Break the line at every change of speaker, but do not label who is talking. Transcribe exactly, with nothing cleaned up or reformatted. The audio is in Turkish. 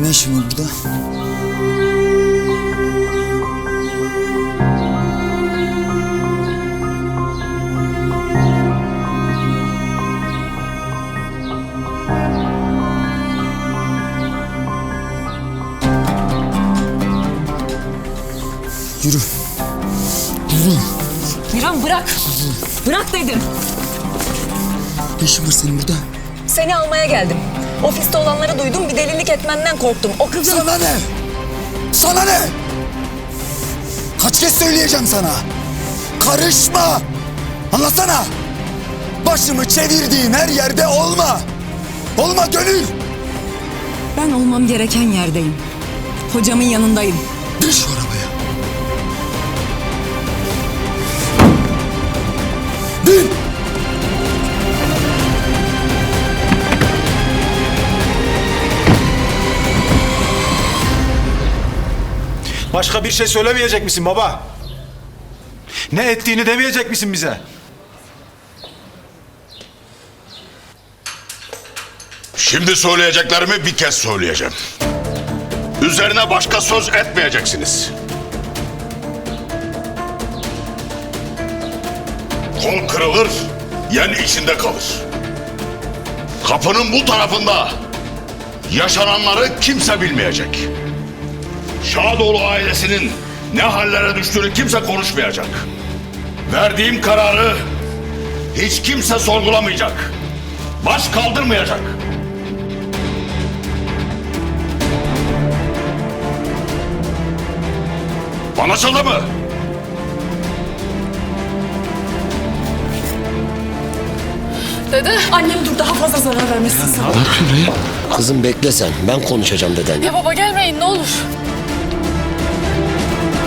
ne işin var burada? Yürü. Yürü.
Miran bırak. Bırak dedim.
Ne işin var senin burada?
Seni almaya geldim. Ofiste olanları duydum, bir delilik etmenden korktum. O kızın...
Sana ne? Sana ne? Kaç kez söyleyeceğim sana? Karışma! Anlasana! Başımı çevirdiğin her yerde olma! Olma Gönül!
Ben olmam gereken yerdeyim. Hocamın yanındayım.
Bin şu arabaya! Bin!
Başka bir şey söylemeyecek misin baba? Ne ettiğini demeyecek misin bize?
Şimdi söyleyeceklerimi bir kez söyleyeceğim. Üzerine başka söz etmeyeceksiniz. Kol kırılır, yen içinde kalır. Kapının bu tarafında yaşananları kimse bilmeyecek. Şadoğlu ailesinin ne hallere düştüğünü kimse konuşmayacak. Verdiğim kararı hiç kimse sorgulamayacak. Baş kaldırmayacak. Anlaşıldı mı?
Dede, annem dur, daha fazla zarar vermesin sana.
Kızım bekle sen. Ben konuşacağım deden.
Ya baba gelmeyin ne olur.